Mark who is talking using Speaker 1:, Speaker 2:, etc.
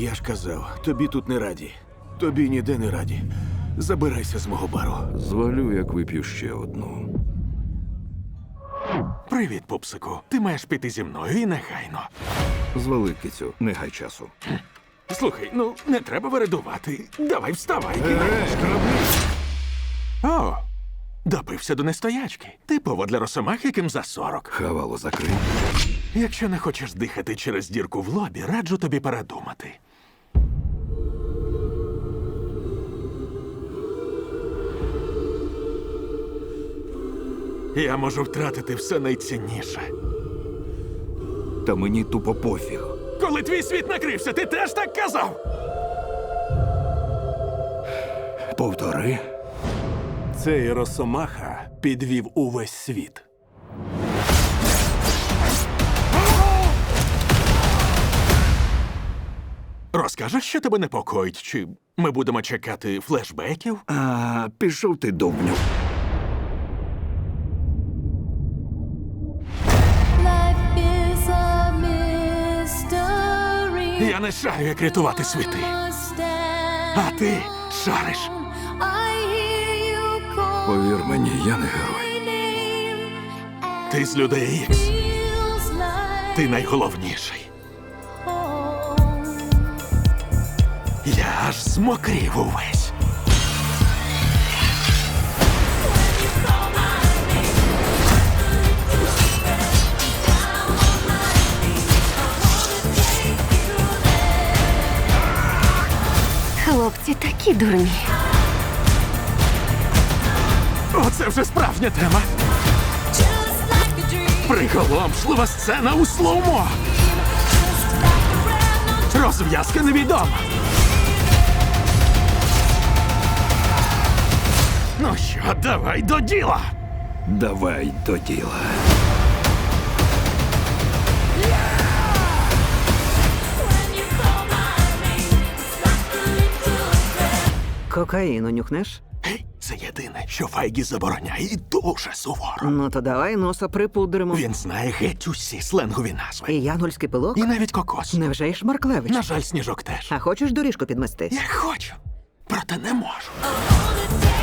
Speaker 1: Я ж казав, тобі тут не раді. Тобі ніде не раді. Забирайся з мого бару.
Speaker 2: Звалю, як вип'ю ще одну.
Speaker 3: Привіт, пупсику. Ти маєш піти зі мною і негайно.
Speaker 2: Звали, кицю, не гай часу.
Speaker 3: Слухай, ну не треба вередувати. Давай вставай. О, допився до нестоячки. Типово для росомах, яким за 40.
Speaker 2: Хавало закрий.
Speaker 3: Якщо не хочеш дихати через дірку в лобі, раджу тобі передумати. Я можу втратити все найцінніше.
Speaker 2: Та мені тупо пофіг.
Speaker 3: Коли твій світ накрився, ти теж так казав?
Speaker 2: Повтори.
Speaker 1: Цей росомаха підвів увесь світ.
Speaker 3: Розкажеш, що тебе непокоїть? Чи ми будемо чекати флешбеків?
Speaker 2: А, пішов ти, довбню.
Speaker 4: Life is a mystery.
Speaker 3: Я не шарю, як рятувати світи. А ти шариш.
Speaker 2: Повір мені, я не герой.
Speaker 3: Ти з людей Ікс. Ти найголовніший. Я аж змокрів увесь.
Speaker 5: Хлопці такі дурні.
Speaker 3: Оце вже справжня тема. Приголомшлива сцена у слоумо. Розв'язка невідома. Ну що, давай до діла.
Speaker 2: Давай до діла.
Speaker 6: Кокаїну нюхнеш?
Speaker 3: Гей, це єдине, що Файгі забороняє і дуже суворо.
Speaker 6: Ну то давай носа припудримо.
Speaker 3: Він знає геть усі сленгові назви.
Speaker 6: І янгольський пилок?
Speaker 3: І навіть кокос.
Speaker 6: Невже й Шмарклевич?
Speaker 3: На жаль, Сніжок теж.
Speaker 6: А хочеш доріжку підмести?
Speaker 3: Я хочу, проте не можу.
Speaker 4: All the day